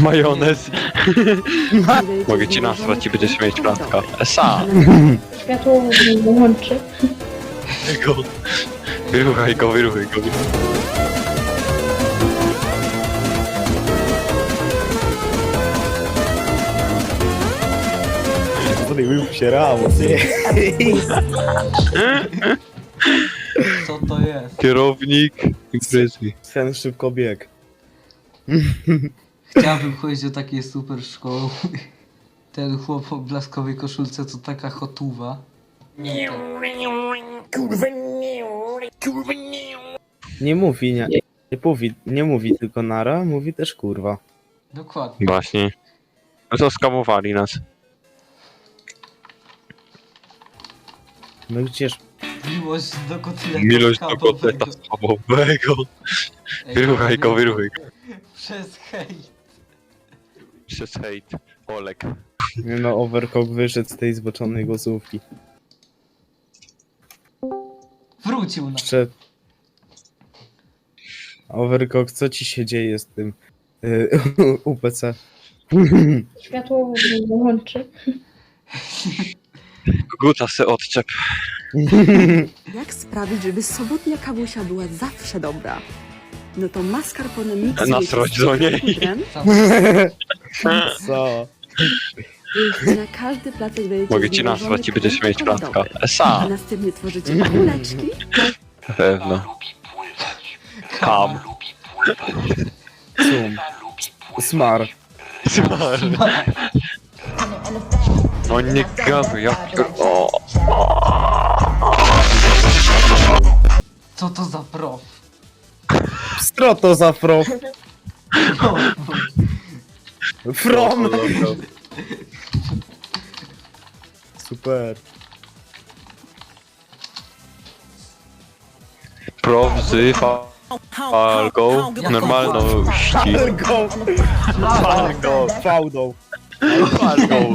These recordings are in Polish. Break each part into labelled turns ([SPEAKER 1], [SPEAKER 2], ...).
[SPEAKER 1] Majonez. Mogę ci nasrać i będziesz mieć plantka. Esa!
[SPEAKER 2] Światło włączy.
[SPEAKER 1] Wyruchaj go.
[SPEAKER 3] Rył się ramo,
[SPEAKER 4] Co to jest?
[SPEAKER 1] Kierownik imprezy.
[SPEAKER 3] Ten szybko bieg.
[SPEAKER 4] Chciałbym chodzić do takiej super szkoły. Ten chłop o blaskowej koszulce to taka hotuwa.
[SPEAKER 3] Nie mówi tylko nara, mówi też kurwa.
[SPEAKER 4] Dokładnie.
[SPEAKER 1] Właśnie. No to skamowali nas.
[SPEAKER 3] No gdzież...
[SPEAKER 4] Miłość do kotleta
[SPEAKER 1] Miłość do
[SPEAKER 4] schabowego.
[SPEAKER 1] kotleta schabowego.
[SPEAKER 4] Ej,
[SPEAKER 1] Wyruchaj go.
[SPEAKER 4] Przez hejt.
[SPEAKER 1] Przez hejt. Olek.
[SPEAKER 3] Nie no, Overcock wyszedł z tej zboczonej głosówki.
[SPEAKER 4] Wrócił na.
[SPEAKER 3] Jeszcze... Overcock, co ci się dzieje z tym UPC?
[SPEAKER 2] Światło włączy.
[SPEAKER 1] Guta se odczep.
[SPEAKER 5] Jak sprawić, żeby sobotnia kawusia była zawsze dobra? No to mascarpone mix
[SPEAKER 1] Nasroć do niej.
[SPEAKER 3] Co?
[SPEAKER 5] Na każdy placek dajecie
[SPEAKER 1] Mogę ci
[SPEAKER 5] zmrożony
[SPEAKER 1] nasrać i będziesz
[SPEAKER 5] krem
[SPEAKER 1] mieć plantka.
[SPEAKER 5] czekolaadowy. A
[SPEAKER 1] Esa!
[SPEAKER 5] następnie tworzycie kuleczki.
[SPEAKER 1] Pewno. Kam.
[SPEAKER 3] Sum. Smar.
[SPEAKER 1] No nie gaduj, ja o.
[SPEAKER 4] Co to za prof?
[SPEAKER 3] Stroto za fro. From. Super.
[SPEAKER 1] Prof z falką normalności.
[SPEAKER 3] Go. Faudą. Faudą.
[SPEAKER 1] Falką.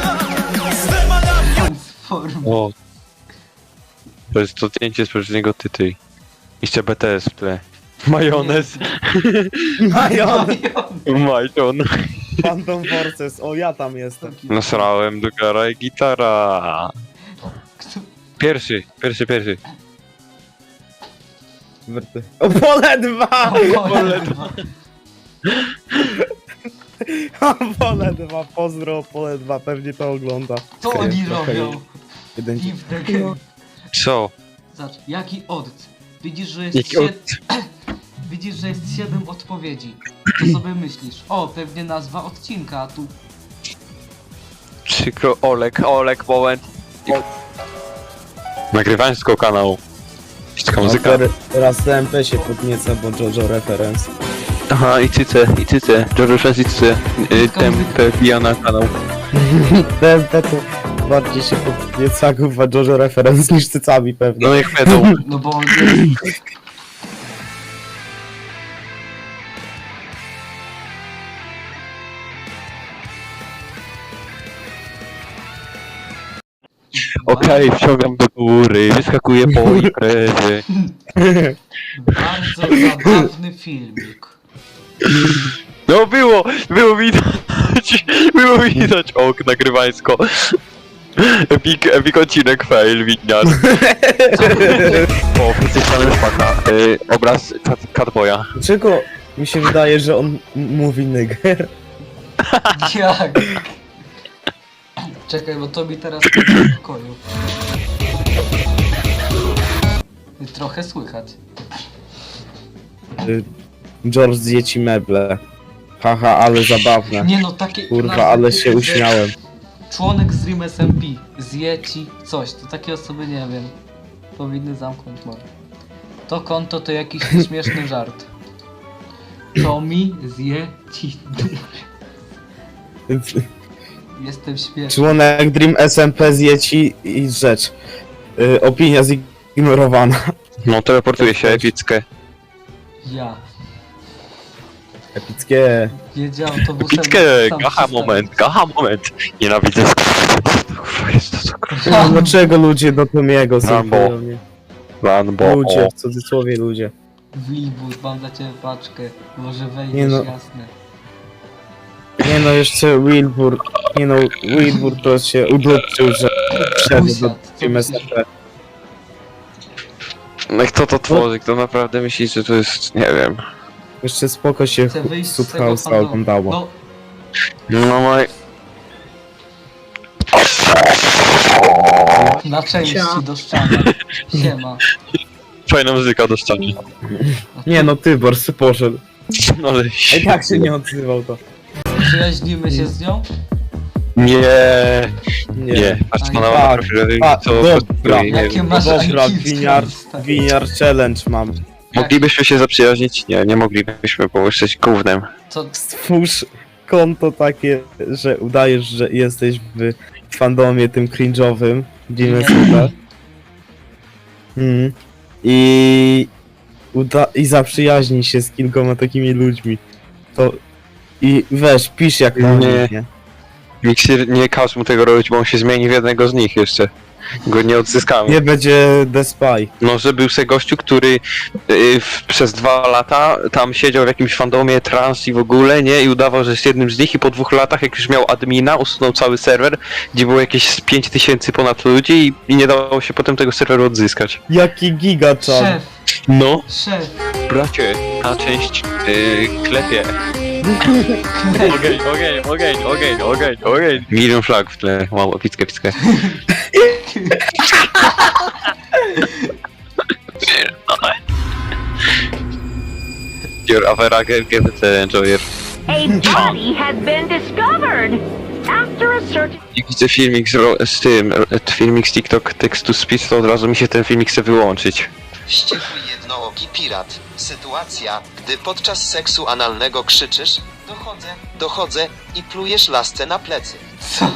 [SPEAKER 4] Transform.
[SPEAKER 1] O. To jest to zdjęcie z poprzedniego tytułu. Jeszcze BTS w tle. Majonez.
[SPEAKER 3] Majon.
[SPEAKER 1] Majon.
[SPEAKER 3] Phantom Forces. O, ja tam jestem.
[SPEAKER 1] Nasrałem do gara i gitara. Pierwszy.
[SPEAKER 3] O, pole 2! Pole 2, pozdro, pole 2, pewnie to ogląda.
[SPEAKER 4] Co oni
[SPEAKER 3] Okej.
[SPEAKER 4] robią?
[SPEAKER 3] Jeden
[SPEAKER 4] I w the game.
[SPEAKER 1] Co?
[SPEAKER 4] Zobacz, jaki odc? Widzisz, że jest
[SPEAKER 1] Jaki
[SPEAKER 4] Widzisz, że jest 7 odpowiedzi. To sobie myślisz, o, pewnie nazwa odcinka, a tu...
[SPEAKER 1] Przykro, Olek, moment. Nagrywałem z kanału. Taka muzyka.
[SPEAKER 3] Teraz TMP się podnieca, bo JoJo reference.
[SPEAKER 1] Aha, i cyce. George Fest i cyce. Tempę wbija na kanał.
[SPEAKER 3] TMP to bardziej się podnieca, kurwa, JoJo reference niż cycami pewnie.
[SPEAKER 1] No niech będą.
[SPEAKER 4] No bo on jest...
[SPEAKER 1] Okej, wciągam do góry, wyskakuję po imprezy.
[SPEAKER 4] Bardzo zabawny filmik.
[SPEAKER 1] No było widać nagrywańsko. Epic odcinek fail, winiar. O, jesteś fanem szpaka. Obraz Catboya.
[SPEAKER 3] Dlaczego mi się wydaje, że on mówi nigger?
[SPEAKER 4] Jak? Czekaj, bo to mi teraz w pokoju. I trochę słychać.
[SPEAKER 3] George zje ci meble. Haha, ale zabawne.
[SPEAKER 4] Nie no, takie...
[SPEAKER 3] Kurwa,
[SPEAKER 4] nazwy
[SPEAKER 3] ale
[SPEAKER 4] typu,
[SPEAKER 3] się
[SPEAKER 4] że
[SPEAKER 3] uśmiałem.
[SPEAKER 4] Członek z Dream SMP zje ci coś, to takie osoby nie wiem. Powinny zamknąć mordę. To konto to jakiś śmieszny żart. Tommy zje ci... Jestem śmieszny.
[SPEAKER 3] Członek Dream SMP zje ci i rzecz. Opinia zignorowana.
[SPEAKER 1] No, teleportuje się epickie.
[SPEAKER 4] Ja.
[SPEAKER 3] Epickie.
[SPEAKER 4] Jedzie autobusem...
[SPEAKER 1] Epickie,
[SPEAKER 4] sam
[SPEAKER 1] gacha
[SPEAKER 4] przystanek.
[SPEAKER 1] moment. Nienawidzę kurwa, jest to co kurwa.
[SPEAKER 3] Dlaczego ludzie do Tomiego są
[SPEAKER 1] Rambo.
[SPEAKER 3] podobnie?
[SPEAKER 1] Rambo.
[SPEAKER 3] Ludzie, w cudzysłowie ludzie.
[SPEAKER 4] Wlibus, mam dla ciebie paczkę. Może wejdziesz,
[SPEAKER 3] Nie no.
[SPEAKER 4] jasne.
[SPEAKER 3] Nie no, jeszcze Wilbur. Nie no, Wilbur to się udupczył, że wszedł do
[SPEAKER 4] Usiadł, co
[SPEAKER 3] Team
[SPEAKER 4] myślisz?
[SPEAKER 3] SMP.
[SPEAKER 1] No i kto to tworzy? Kto naprawdę myśli, że to jest... nie wiem.
[SPEAKER 3] Jeszcze spoko się
[SPEAKER 4] Chcę wyjść z
[SPEAKER 3] Sud
[SPEAKER 4] tego
[SPEAKER 3] House
[SPEAKER 4] fandomu.
[SPEAKER 3] oglądało.
[SPEAKER 4] No,
[SPEAKER 1] No moj...
[SPEAKER 4] na części
[SPEAKER 2] Cia.
[SPEAKER 4] do ściany. Siema.
[SPEAKER 1] Fajna muzyka do ściany.
[SPEAKER 3] Nie no, Tybor se poszedł.
[SPEAKER 1] No ale...
[SPEAKER 3] A i tak się nie odzywał to.
[SPEAKER 4] Przyjaźnimy się z nią?
[SPEAKER 1] Nie, nie. Patrz
[SPEAKER 4] A
[SPEAKER 1] na
[SPEAKER 4] nie.
[SPEAKER 1] na
[SPEAKER 3] Tak,
[SPEAKER 1] profil,
[SPEAKER 3] tak,
[SPEAKER 1] co
[SPEAKER 3] dobra.
[SPEAKER 1] postuje, nie
[SPEAKER 4] Jakie
[SPEAKER 1] wiem.
[SPEAKER 4] masz
[SPEAKER 3] Dobra,
[SPEAKER 4] IQ,
[SPEAKER 3] winiar,
[SPEAKER 4] stary?
[SPEAKER 3] winiar challenge mam.
[SPEAKER 1] Moglibyśmy się zaprzyjaźnić? Nie, nie moglibyśmy, bo jesteś gównem.
[SPEAKER 4] Co?
[SPEAKER 3] Stwórz konto takie, że udajesz, że jesteś w fandomie tym cringe'owym. Dziwne super. I zaprzyjaźnij się z kilkoma takimi ludźmi. To... I weź, pisz jak na
[SPEAKER 1] Nie.
[SPEAKER 3] nich, nie?
[SPEAKER 1] Miksir, nie każ mu tego robić, bo on się zmieni w jednego z nich jeszcze. Go nie odzyskamy.
[SPEAKER 3] Nie będzie The Spy.
[SPEAKER 1] No, że był se gościu, który przez 2 lata tam siedział w jakimś fandomie trans i w ogóle, nie? I udawał, że jest jednym z nich i po 2 latach, jak już miał admina, usunął cały serwer, gdzie było jakieś z 5000 ponad ludzi i nie dało się potem tego serweru odzyskać.
[SPEAKER 3] Jaki gigaczan.
[SPEAKER 4] Szef,
[SPEAKER 1] No,
[SPEAKER 4] szef.
[SPEAKER 1] bracie, ta część klepie. Ogień. Milion flag w tle. Wow, pickę. Your afera LGBT enjoyer.
[SPEAKER 6] A body has been discovered. After a search,
[SPEAKER 1] Jak widzę filmik z tym, filmik z TikTok text to speech, to od razu mi się ten filmik chce wyłączyć.
[SPEAKER 7] Wściekły jednooki pirat. Sytuacja, gdy podczas seksu analnego krzyczysz dochodzę i plujesz lasce na plecy.
[SPEAKER 4] Co?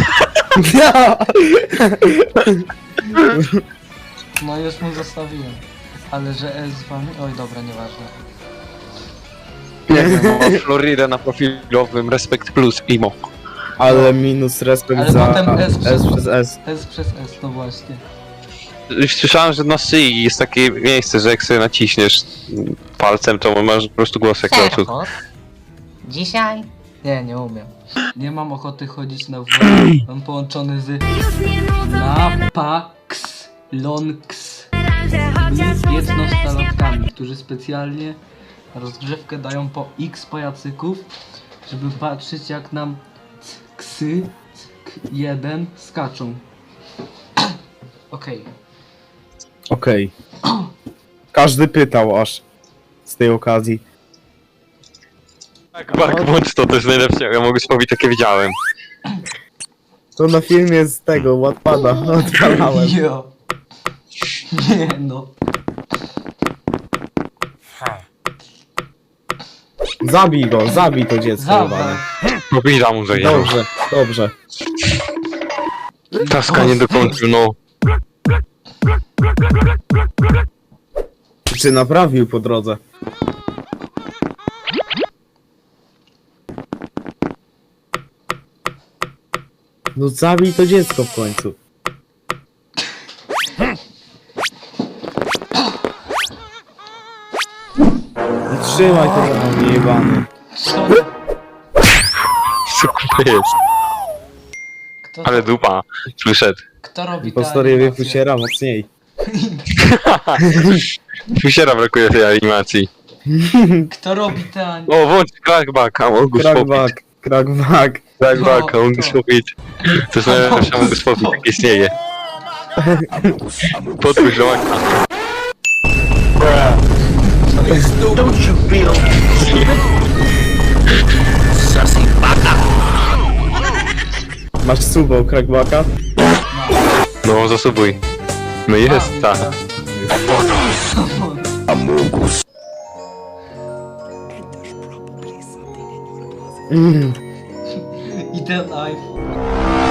[SPEAKER 4] No już mu zostawiłem. Ale że S z wami... Oj, dobra, nieważne.
[SPEAKER 1] Nie wiem, mam Floridę na profilowym, Respekt Plus, Imo.
[SPEAKER 3] Ale minus respekt
[SPEAKER 4] Ale
[SPEAKER 3] za
[SPEAKER 4] potem S
[SPEAKER 3] S przez S.
[SPEAKER 4] S przez S, no właśnie.
[SPEAKER 1] Słyszałem, że na szyi jest takie miejsce, że jak sobie naciśniesz palcem, to masz po prostu głos jak locuk.
[SPEAKER 6] Dzisiaj
[SPEAKER 4] Nie umiem. Nie mam ochoty chodzić na WF. Mam połączony z... Napax Lonks. Wiecnostalowcami, którzy specjalnie na rozgrzewkę dają po X pajacyków, żeby patrzeć jak nam ksy 1 skaczą. Okej.
[SPEAKER 3] Okej. Każdy pytał aż z tej okazji.
[SPEAKER 1] Tak, włącz to jest najlepsze, ja mogę powiedzieć, jakie widziałem.
[SPEAKER 3] To na filmie z tego Wattpada odpalałem.
[SPEAKER 4] Jo. Nie no.
[SPEAKER 3] Zabij to dziecko.
[SPEAKER 4] Zabrał.
[SPEAKER 3] jebane.
[SPEAKER 1] Powiedział mu, że jest.
[SPEAKER 3] Dobrze.
[SPEAKER 1] Taska nie dokończył, no.
[SPEAKER 3] Czy naprawił po drodze? No zabij to dziecko w końcu. No trzymaj to za mnie jebany.
[SPEAKER 4] Co?
[SPEAKER 1] Co to jest?
[SPEAKER 4] Kto,
[SPEAKER 1] Ale dupa, przyszedł.
[SPEAKER 4] kto robi
[SPEAKER 3] Po
[SPEAKER 4] te
[SPEAKER 3] historii
[SPEAKER 4] animacje?
[SPEAKER 3] wypuściera mocniej.
[SPEAKER 1] Fusiera brakuje tej animacji.
[SPEAKER 4] Kto robi te animacje?
[SPEAKER 1] O, włącz crackbacka, mogę spopić.
[SPEAKER 3] Crackback.
[SPEAKER 1] Crackbacka, mogę spopić. To jest najlepsza, mogę spopić, jak istnieje. Podpuść żołądka.
[SPEAKER 3] Masz suba u Crackbacka?
[SPEAKER 1] No, zasubuj. No jest, ta.
[SPEAKER 3] Mm.
[SPEAKER 4] I ten iPhone.